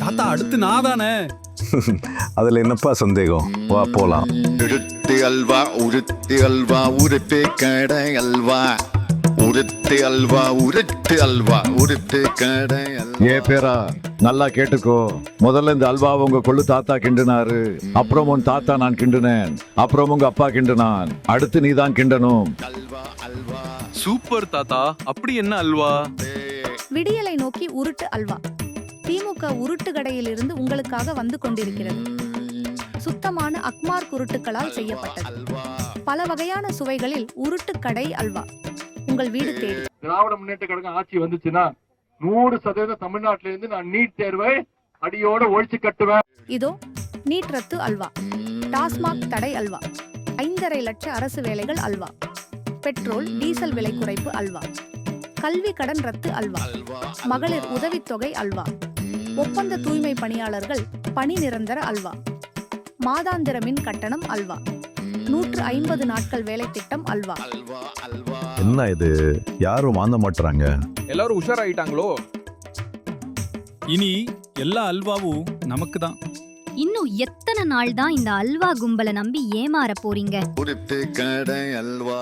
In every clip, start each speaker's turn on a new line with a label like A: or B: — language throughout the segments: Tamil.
A: தாத்தா அடுத்து நான் தானே.
B: அதுல என்னப்பா சந்தேகம், வா போலாம்.
C: உருட்டு அல்வா உருட்டு அல்வா உருட்டு கடை அல்வா உருட்டு அல்வா உருட்டு அல்வா உருட்டு கடை அல்வா.
D: ஏ பேரா நல்லா கேட்டுக்கோ. முதல்ல இந்த அல்வா உங்க கொள்ளு தாத்தா கிண்டுனாரு, அப்புறம் உன் தாத்தா நான் கிண்டுனேன், அப்புறம் உங்க அப்பா கிண்டுனான், அடுத்து நீ தான் கிண்டணும்.
C: அல்வா அல்வா
A: சூப்பர் தாத்தா. அப்படி என்ன அல்வா?
E: விடியலை நோக்கி உருட்டு அல்வா. திமுக உருட்டு கடையிலிருந்து உங்களுக்காக வந்து கொண்டிருக்கிறது. சுத்தமான அக்மார் குருட்டுகளால் செய்யப்பட்டது. பல வகையான சுவைகளில் உருட்டு கடை அல்வா உங்கள் வீடு தேடி.
F: திராவிட முன்னேற்ற கழகம் ஆட்சி வந்துச்சுன்னா 100% தமிழ்நாட்டில இருந்து நான் நீட் தேர்வை அடியோட ஒழிச்சு கட்டுவேன்.
E: இதோ நீட் ரத்து அல்வா, டாஸ்மாக் தடை அல்வா, 5.5 லட்ச அரசு வேலைகள் அல்வா, பெட்ரோல் டீசல் விலை குறைப்பு அல்வா, கல்வி கடன் ரத்து அல்வா, மகளிர் உதவித்தொகை அல்வா, ஒப்பந்த தூய்மை பணியாளர்கள் பணி நிரந்தர அல்வா, மாதாந்திர மின் கட்டணம் அல்வா, 150 நாட்கள் வேலை திட்டம் அல்வா.
B: என்ன இது, யாரும் வாங்க மாட்டாங்க.
A: எல்லாரும் உஷாராயிட்டாங்களோ? இனி எல்லா அல்வாவும் நமக்கு தான்.
G: இன்னும் எத்தனை நாள் தான் இந்த அல்வா கும்பலை நம்பி ஏமாற போறீங்க?
C: உருட்டு கடை அல்வா.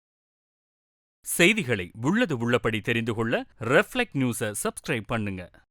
H: செய்திகளை உள்ளது உள்ளபடி தெரிந்து கொள்ள ரெஃப்ளெக்ட் நியூஸை சப்ஸ்கிரைப் பண்ணுங்க.